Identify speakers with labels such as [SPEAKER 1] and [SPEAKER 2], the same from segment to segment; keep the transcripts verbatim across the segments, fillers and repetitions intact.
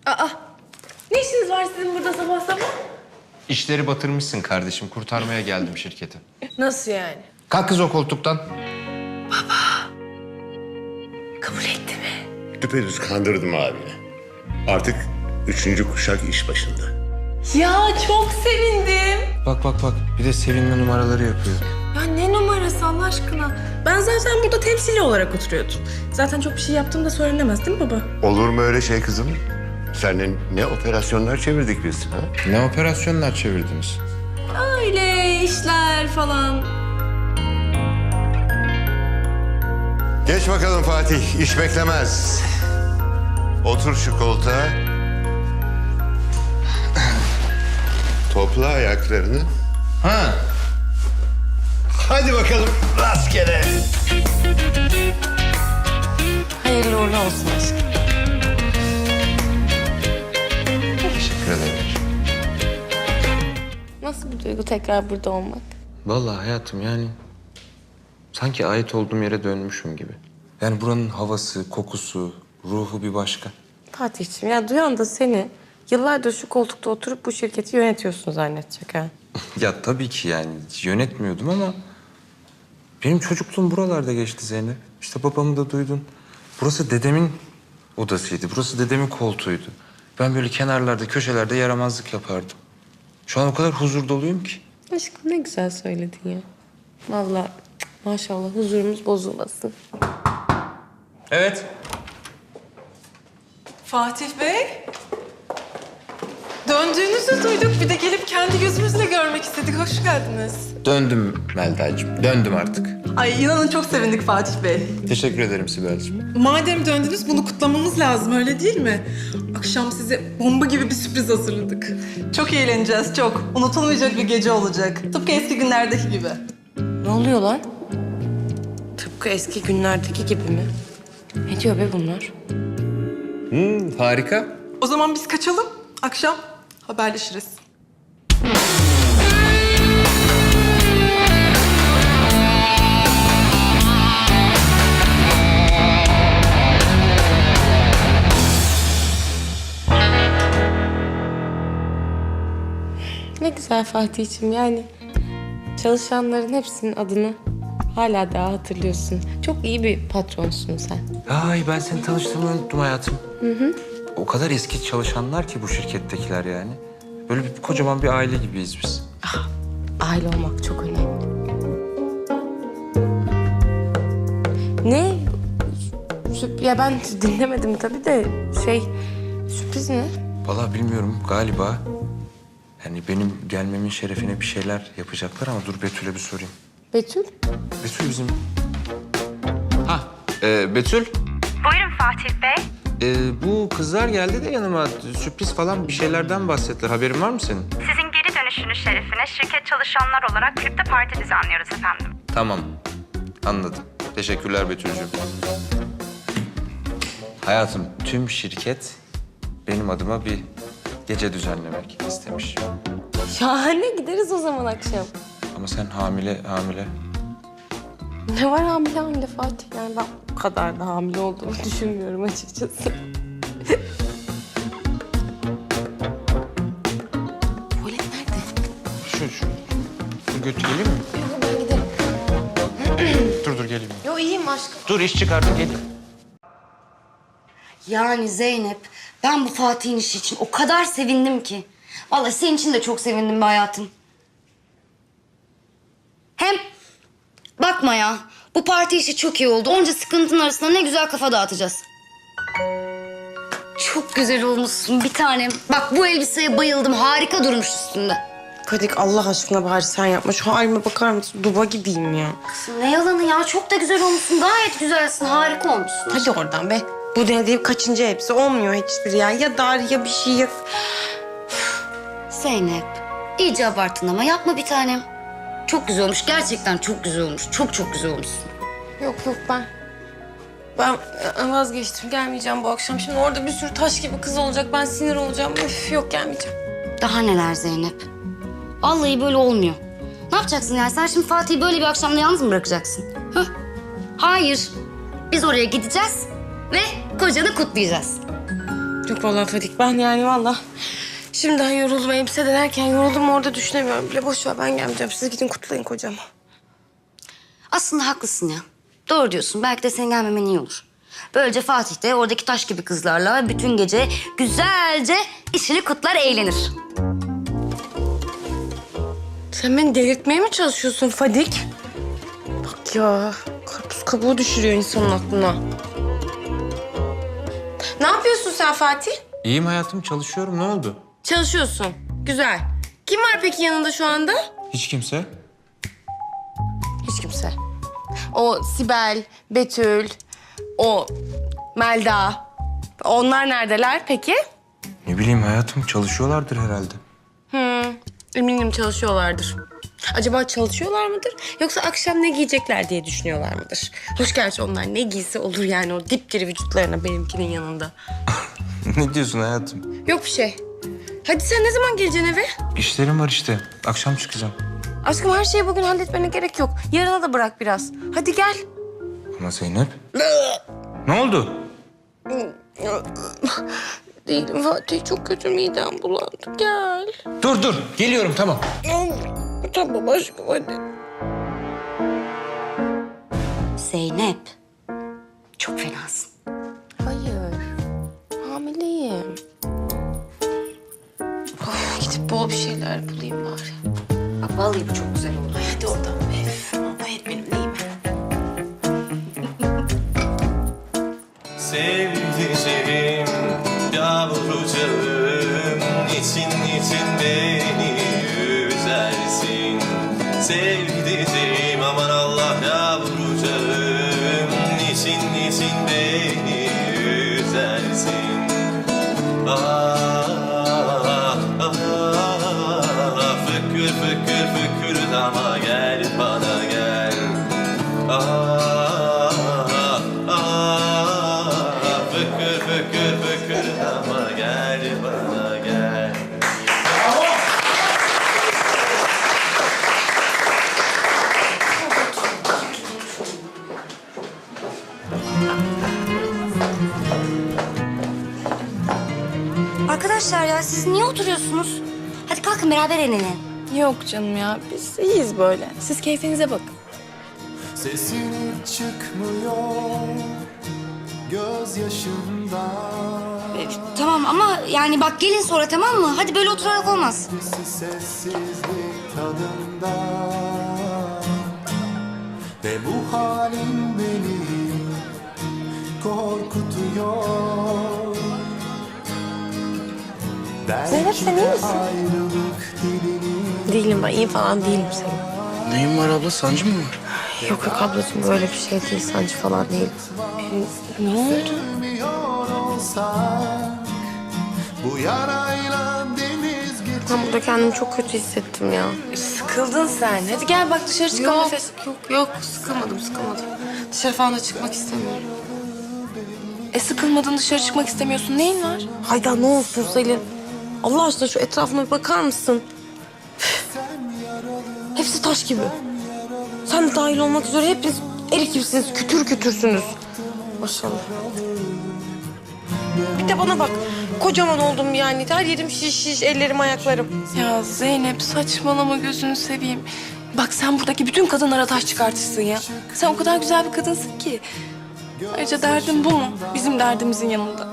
[SPEAKER 1] Aa, ne işiniz var sizin burada sabah sabah?
[SPEAKER 2] İşleri batırmışsın kardeşim. Kurtarmaya geldim şirketi.
[SPEAKER 1] Nasıl yani?
[SPEAKER 2] Kalk kız o koltuktan.
[SPEAKER 1] Kabul etti mi?
[SPEAKER 3] Düpedüz kandırdım abini. Artık üçüncü kuşak iş başında.
[SPEAKER 1] Ya çok sevindim.
[SPEAKER 2] Bak bak bak. Bir de sevinme numaraları yapıyor.
[SPEAKER 1] Ya ne numarası Allah aşkına? Ben zaten burada temsili olarak oturuyordum. Zaten çok bir şey yaptığım da söylenemez değil mi baba?
[SPEAKER 3] Olur mu öyle şey kızım? Seninle ne operasyonlar çevirdik biz ha?
[SPEAKER 2] Ne operasyonlar çevirdiniz?
[SPEAKER 1] Öyle işler falan.
[SPEAKER 3] Geç bakalım Fatih, iş beklemez. Otur şu koltuğa. Topla ayaklarını.
[SPEAKER 2] Ha.
[SPEAKER 3] Hadi bakalım rastgele.
[SPEAKER 1] Hayırlı uğurlu olsun aşkım.
[SPEAKER 2] Teşekkür ederim.
[SPEAKER 1] Nasıl bir duygu tekrar burada olmak?
[SPEAKER 2] Vallahi hayatım yani sanki ait olduğum yere dönmüşüm gibi. Yani buranın havası, kokusu, ruhu bir başka.
[SPEAKER 4] Fatih'ciğim ya duyan da seni yıllardır şu koltukta oturup bu şirketi yönetiyorsun zannedecek ha.
[SPEAKER 2] Ya tabii ki yani yönetmiyordum ama benim çocukluğum buralarda geçti Zeynep. İşte babamı da duydun. Burası dedemin odasıydı. Burası dedemin koltuğuydu. Ben böyle kenarlarda, köşelerde yaramazlık yapardım. Şu an o kadar huzur doluyum ki.
[SPEAKER 4] Aşkım ne güzel söyledin ya. Vallahi maşallah huzurumuz bozulmasın.
[SPEAKER 2] Evet.
[SPEAKER 5] Fatih Bey, döndüğünüzü duyduk. Bir de gelip kendi gözümüzle görmek istedik. Hoş geldiniz.
[SPEAKER 2] Döndüm Melda'cığım. Döndüm artık.
[SPEAKER 5] Ay inanın çok sevindik Fatih Bey.
[SPEAKER 2] Teşekkür ederim Sibel'cığım.
[SPEAKER 5] Madem döndünüz bunu kutlamamız lazım öyle değil mi? Akşam size bomba gibi bir sürpriz hazırladık. Çok eğleneceğiz çok. Unutulmayacak bir gece olacak. Tıpkı eski günlerdeki gibi.
[SPEAKER 4] Ne oluyor lan? Tıpkı eski günlerdeki gibi mi? Ne diyor be bunlar?
[SPEAKER 2] Hmm, harika.
[SPEAKER 5] O zaman biz kaçalım. Akşam haberleşiriz.
[SPEAKER 4] Ne güzel Fatih'ciğim yani çalışanların hepsinin adını hala daha hatırlıyorsun. Çok iyi bir patronsun sen.
[SPEAKER 2] Ay ben seni tanıştığımı unuttum hayatım. Hı hı. O kadar eski çalışanlar ki bu şirkettekiler yani. Böyle bir kocaman bir aile gibiyiz biz.
[SPEAKER 4] Aile olmak çok önemli. Ne? Sürp- Ya ben dinlemedim tabii de şey sürpriz ne?
[SPEAKER 2] Vallahi bilmiyorum galiba. Yani benim gelmemin şerefine bir şeyler yapacaklar ama dur Betül'e bir sorayım.
[SPEAKER 4] Betül?
[SPEAKER 2] Betül bizim... Ha, e, Betül.
[SPEAKER 6] Buyurun Fatih Bey.
[SPEAKER 2] E, bu kızlar geldi de yanıma sürpriz falan bir şeylerden bahsettiler. Haberin var mı senin?
[SPEAKER 6] Sizin geri dönüşünüz şerefine şirket çalışanlar olarak kripto parti düzenliyoruz efendim.
[SPEAKER 2] Tamam, anladım. Teşekkürler Betül'cüğüm. Hayatım, tüm şirket benim adıma bir gece düzenlemek istemiş.
[SPEAKER 4] Şahane gideriz o zaman akşam.
[SPEAKER 2] Ama sen hamile hamile.
[SPEAKER 4] Ne var hamile hamile Fatih? Yani ben bu kadar da hamile olduğumu düşünmüyorum açıkçası. Tuvalet nerede?
[SPEAKER 2] Şu şu. Dur götürelim mi?
[SPEAKER 4] Yok ben giderim.
[SPEAKER 2] Dur dur geleyim.
[SPEAKER 4] Yo iyiyim aşkım.
[SPEAKER 2] Dur iş çıkardım geleyim.
[SPEAKER 7] Yani Zeynep, ben bu Fatih'in işi için o kadar sevindim ki. Vallahi senin için de çok sevindim be hayatım. Hem bakma ya, bu parti işi çok iyi oldu. Onca sıkıntının arasında ne güzel kafa dağıtacağız. Çok güzel olmuşsun bir tanem. Bak bu elbiseye bayıldım, harika durmuş üstünde.
[SPEAKER 4] Kadik Allah aşkına bari sen yapma. Şu halime bakar mısın? Duba gibiyim ya.
[SPEAKER 7] Kızım ne yalanı ya, çok da güzel olmuşsun. Gayet güzelsin, harika olmuşsun.
[SPEAKER 4] Hadi oradan be. Bu denediğim kaçıncı hepsi olmuyor hiçbiri ya. Ya dar ya bir şey ya...
[SPEAKER 7] Zeynep, iyice abarttın ama yapma bir tanem. Çok güzel olmuş, gerçekten çok güzel olmuş. Çok çok güzel olmuşsun.
[SPEAKER 4] Yok yok ben... Ben e, vazgeçtim. Gelmeyeceğim bu akşam. Şimdi orada bir sürü taş gibi kız olacak. Ben sinir olacağım. Üf yok gelmeyeceğim.
[SPEAKER 7] Daha neler Zeynep? Vallahi böyle olmuyor. Ne yapacaksın yani? Sen şimdi Fatih'i böyle bir akşamda yalnız mı bırakacaksın? Hah? Hayır. Biz oraya gideceğiz ve kocanı kutlayacağız.
[SPEAKER 4] Yok vallahi Fadik, ben yani vallahi şimdiden yoruldum. Elbise denerken yoruldum, orada düşünemiyorum bile. Boş ver, ben gelmeyeceğim. Siz gidin kutlayın kocamı.
[SPEAKER 7] Aslında haklısın ya. Doğru diyorsun. Belki de senin gelmemen iyi olur. Böylece Fatih de oradaki taş gibi kızlarla bütün gece güzelce işini kutlar, eğlenir.
[SPEAKER 4] Sen beni delirtmeye mi çalışıyorsun Fadik? Bak ya, karpuz kabuğu düşürüyor insanın aklına. Ne yapıyorsun sen Fatih?
[SPEAKER 2] İyiyim hayatım, çalışıyorum. Ne oldu?
[SPEAKER 4] Çalışıyorsun. Güzel. Kim var peki yanında şu anda?
[SPEAKER 2] Hiç kimse.
[SPEAKER 4] Hiç kimse. O Sibel, Betül, o Melda. Onlar neredeler peki?
[SPEAKER 2] Ne bileyim hayatım, çalışıyorlardır herhalde.
[SPEAKER 4] Hmm, eminim çalışıyorlardır. Acaba çalışıyorlar mıdır? Yoksa akşam ne giyecekler diye düşünüyorlar mıdır? Hoş gerçi onlar ne giysi olur yani o dipdiri vücutlarına benimkinin yanında.
[SPEAKER 2] Ne diyorsun hayatım?
[SPEAKER 4] Yok bir şey. Hadi sen ne zaman geleceksin eve?
[SPEAKER 2] İşlerim var işte. Akşam çıkacağım.
[SPEAKER 4] Aşkım her şeyi bugün halletmene gerek yok. Yarına da bırak biraz. Hadi gel.
[SPEAKER 2] Ama Zeynep. Ne oldu?
[SPEAKER 4] Değilim Fatih, çok kötü, midem bulandı. Gel.
[SPEAKER 2] Dur dur, geliyorum tamam.
[SPEAKER 4] Tamam aşkım hadi.
[SPEAKER 7] Zeynep, çok fenasın.
[SPEAKER 4] Hayır. Hamileyim. Of, gidip bol bir şeyler bulayım bari.
[SPEAKER 7] Bak vallahi bu çok güzel oldu.
[SPEAKER 4] Hadi oradan be. Hayır benim neyim?
[SPEAKER 8] Sevdiceğim, yavrucağım, için için beni üzersin. Sevdiceğim, aman Allah yavrucağım, için için beni üzersin. Ah, ah, ah, fıkır fıkır fıkır dama gel bana gel. Ah, ah, fıkır fıkır fıkır dama gel bana gel.
[SPEAKER 7] Arkadaşlar ya siz niye oturuyorsunuz? Hadi kalkın beraber eğlenelim.
[SPEAKER 4] Yok canım ya, biz iyiyiz böyle. Siz keyfinize bakın.
[SPEAKER 9] Sesin çıkmıyor gözyaşımdan.
[SPEAKER 7] Ee, tamam ama yani bak gelin sonra, tamam mı? Hadi böyle oturarak olmaz.
[SPEAKER 9] Sessizlik tadında ve bu halim beni korkutuyor.
[SPEAKER 4] Zeynep, sen iyi misin?
[SPEAKER 9] Ayrılık dilini
[SPEAKER 4] Değilim ben, iyi falan değilim senin.
[SPEAKER 10] Neyin var abla? Sancı mı var?
[SPEAKER 4] Yok yok ablacığım, böyle bir şey değil, sancı falan değil. Ee, ne oldu?
[SPEAKER 9] sevmiyor olsak bu yarayla deniz geçer.
[SPEAKER 4] Ben burada kendimi çok kötü hissettim ya. Sıkıldın sen. Hadi gel bak dışarı çıkalım. Yok, nefes. Yok, yok. Sıkılmadım, sıkılmadım. Dışarı falan da çıkmak istemiyorum. E sıkılmadın, dışarı çıkmak istemiyorsun. Neyin var? Hayda ne olsun Selin. Allah aşkına şu etrafına bir bakar mısın? Üf. Hepsi taş gibi. Sen de dahil olmak üzere hepiniz erik gibisiniz. Kütür kütürsünüz. Maşallah. Bir de bana bak. Kocaman oldum yani. Her yerim şiş şiş, ellerim ayaklarım.
[SPEAKER 1] Ya Zeynep saçmalama, gözünü seveyim. Bak sen buradaki bütün kadınlara taş çıkartırsın ya. Sen o kadar güzel bir kadınsın ki. Ayrıca derdin bu mu? Bizim derdimizin yanında.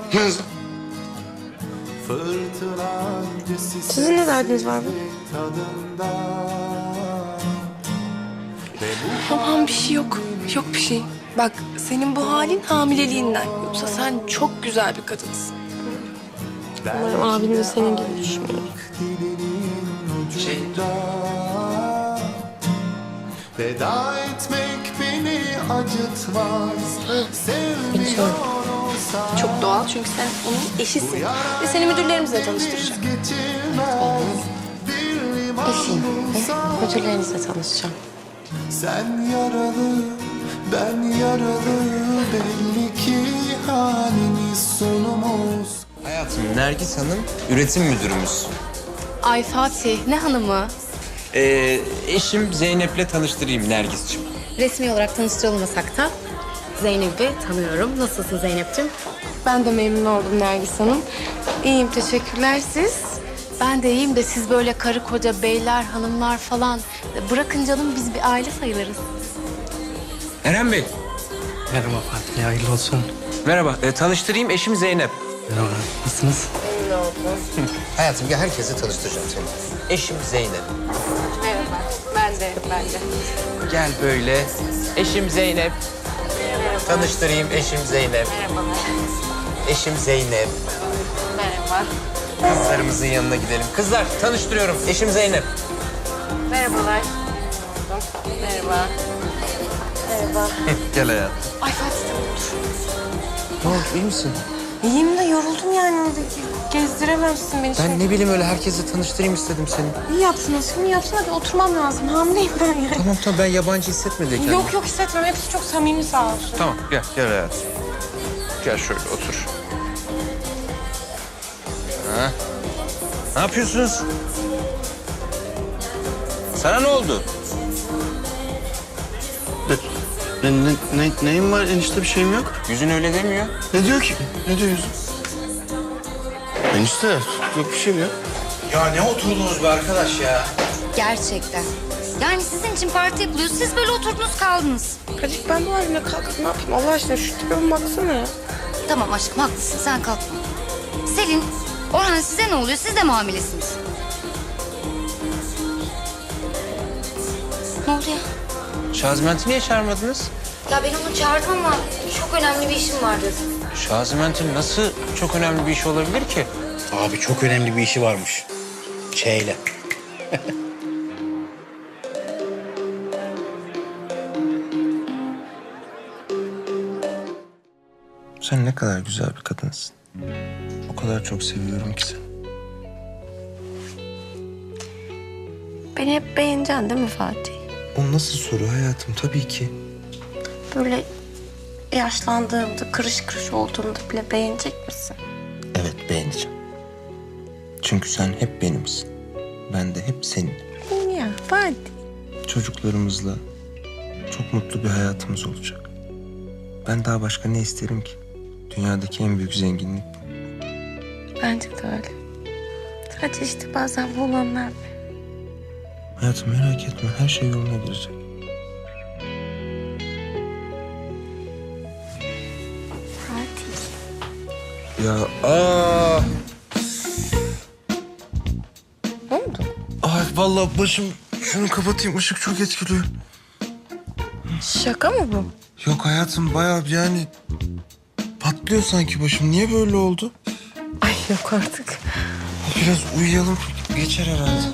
[SPEAKER 4] Sizin ne derdiniz var bu?
[SPEAKER 1] Aman bir şey yok. Yok bir şey. Bak senin bu halin hamileliğinden. Yoksa sen çok güzel bir kadınsın.
[SPEAKER 4] Umarım abim de senin gibi düşünüyor.
[SPEAKER 10] Şey,
[SPEAKER 9] Veda etmek beni acıtmaz. Sevmiyor olsak
[SPEAKER 1] Çok doğal çünkü sen onun eşisin. Ve seni müdürlerimizle tanıştıracak.
[SPEAKER 9] geçilmez. Bir liman
[SPEAKER 4] Eşim ve müdürlerinizle tanışacağım.
[SPEAKER 9] sen yaralı, ben yaralı. Belli ki halimiz sonumuz.
[SPEAKER 2] Hayatım, Nergis Hanım üretim müdürümüz.
[SPEAKER 4] Ay Fatih, ne hanımı?
[SPEAKER 2] Ee, eşim Zeynep'le tanıştırayım Nergis'ciğim.
[SPEAKER 4] Resmi olarak tanıştırılmasak da
[SPEAKER 11] Zeynep'i tanıyorum. Nasılsın Zeynep'ciğim?
[SPEAKER 4] Ben de memnun oldum Nergis Hanım. İyiyim, teşekkürler. Siz?
[SPEAKER 11] Ben de iyiyim de siz böyle karı koca beyler, hanımlar falan bırakın canım biz bir aile sayılırız.
[SPEAKER 2] Eren Bey.
[SPEAKER 10] Merhaba Fatih, hayırlı olsun.
[SPEAKER 2] Merhaba. E, tanıştırayım, eşim Zeynep.
[SPEAKER 10] Merhaba, nasılsınız?
[SPEAKER 12] Hayatım gel herkese tanıştıracağım seni. Eşim Zeynep.
[SPEAKER 4] Merhaba. Ben de, ben de.
[SPEAKER 12] Gel böyle. Eşim Zeynep. Tanıştırayım eşim Zeynep.
[SPEAKER 4] Merhabalar.
[SPEAKER 12] Eşim Zeynep.
[SPEAKER 4] Merhaba.
[SPEAKER 12] Kızlarımızın yanına gidelim. Kızlar tanıştırıyorum. Eşim Zeynep.
[SPEAKER 4] Merhabalar. Merhaba. Merhaba.
[SPEAKER 12] Gel hayatım.
[SPEAKER 4] Ay Fatih tamam dur.
[SPEAKER 12] Ne oldu iyi misin?
[SPEAKER 4] İyiyim de yoruldum yani. Gezdiremezsin beni.
[SPEAKER 12] Ben ne bileyim öyle herkese tanıştırayım istedim seni.
[SPEAKER 4] İyi yapsın aşkım, iyi yapsın. Hadi oturmam lazım. Hamileyim ben yani.
[SPEAKER 12] Tamam tamam ben yabancı hissetme de kendimi.
[SPEAKER 4] Yok yok hissetmem. Hepsi çok samimi sağ olsun.
[SPEAKER 12] Tamam gel gel hayatım. Gel şöyle otur. Ha? Ne yapıyorsunuz? Sana ne oldu?
[SPEAKER 10] Ne, ne, ne, neyim var enişte bir şeyim yok.
[SPEAKER 12] Yüzün öyle demiyor.
[SPEAKER 10] Ne diyor ki? Ne diyor yüzüm? Enişte yok bir şey yok.
[SPEAKER 12] Ya ne oturdunuz be arkadaş ya?
[SPEAKER 7] Gerçekten. Yani sizin için parti yapılıyor. Siz böyle oturdunuz kaldınız.
[SPEAKER 4] Kadir ben bu halimle kalkıp ne yapayım Allah aşkına? Şu tipime baksana ya.
[SPEAKER 7] Tamam aşkım haklısın sen kalkma. Selin, Orhan size ne oluyor? Siz de mi hamilesiniz? Ne oldu ya?
[SPEAKER 12] Şazment'i niye çağırmadınız?
[SPEAKER 7] Ya ben onu çağırdım ama çok önemli bir işim var dedi.
[SPEAKER 12] Şazment'in nasıl çok önemli bir iş olabilir ki?
[SPEAKER 10] Abi çok önemli bir işi varmış. Şeyle.
[SPEAKER 2] Sen ne kadar güzel bir kadınsın. O kadar çok seviyorum ki seni.
[SPEAKER 4] Beni hep beğeneceksin değil mi Fatih?
[SPEAKER 2] O nasıl soru hayatım? Tabii ki.
[SPEAKER 4] Böyle yaşlandığımda, kırış kırış olduğumda bile beğenecek misin?
[SPEAKER 2] Evet beğeneceğim. Çünkü sen hep benimsin. Ben de hep senin.
[SPEAKER 4] Ya Fatih.
[SPEAKER 2] Çocuklarımızla çok mutlu bir hayatımız olacak. Ben daha başka ne isterim ki? Dünyadaki en büyük zenginlik bu.
[SPEAKER 4] Bence de öyle. Sadece işte bazen bu olanlar.
[SPEAKER 2] Hayatım merak etme, her şey yoluna girecek.
[SPEAKER 4] Fatih.
[SPEAKER 2] Ya aa!
[SPEAKER 4] Ne oldu?
[SPEAKER 2] Ay vallahi başım, şunu kapatayım, ışık çok etkiliyor.
[SPEAKER 4] Şaka mı bu?
[SPEAKER 2] Yok hayatım, bayağı yani patlıyor sanki başım. Niye böyle oldu?
[SPEAKER 4] Ay yok artık.
[SPEAKER 2] Biraz uyuyalım, geçer herhalde.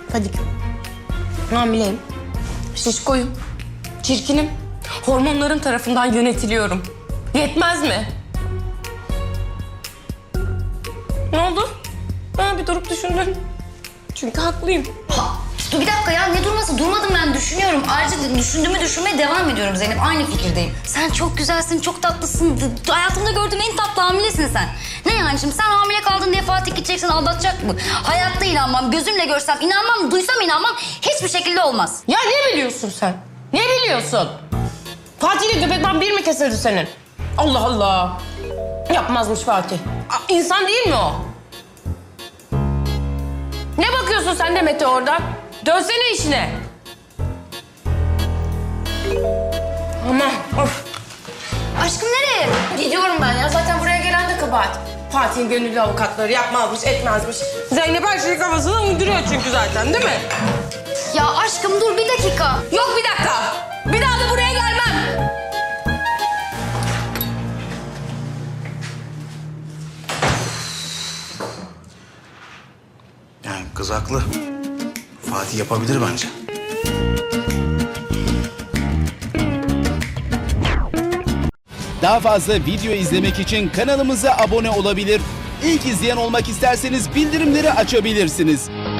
[SPEAKER 4] Hadi. Hamileyim. Şişkoyum. Çirkinim. Hormonların tarafından yönetiliyorum. Yetmez mi? Ne oldu? Ha, bir durup düşündün. Çünkü haklıyım.
[SPEAKER 7] Ha, dur bir dakika ya, ne durması? Durmadım, ben düşünüyorum. Ayrıca düşündüğümü düşünmeye devam ediyorum Zeynep. Aynı fikirdeyim. Sen çok güzelsin, çok tatlısın. D- Hayatımda gördüğüm en tatlı hamilesin sen. Ne yani şimdi sen hamile kaldın diye Fatih gideceksin, aldatacak mı? Hayatta inanmam, gözümle görsem inanmam, duysam inanmam. Hiçbir şekilde olmaz.
[SPEAKER 4] Ya ne biliyorsun sen? Ne biliyorsun? Fatih'le göbekten bir mi kesildi senin? Allah Allah. Yapmazmış Fatih. Aa, İnsan değil mi o? Ne bakıyorsun sen de Mete oradan? Dönsene işine. Aman of.
[SPEAKER 7] Aşkım nereye?
[SPEAKER 4] Gidiyorum ben ya. Zaten buraya gelen de kabahat. Fatih'in gönüllü avukatları yapmazmış, etmezmiş. Zeynep her şeyi kafasına uyduruyor çünkü zaten, değil mi?
[SPEAKER 7] Ya aşkım dur bir dakika.
[SPEAKER 4] Yok bir dakika. Bir daha da buraya gelmem.
[SPEAKER 10] Yani kız haklı. Fatih yapabilir bence.
[SPEAKER 13] Daha Daha fazla video izlemek için kanalımıza abone olabilir. İlk izleyen olmak isterseniz bildirimleri açabilirsiniz.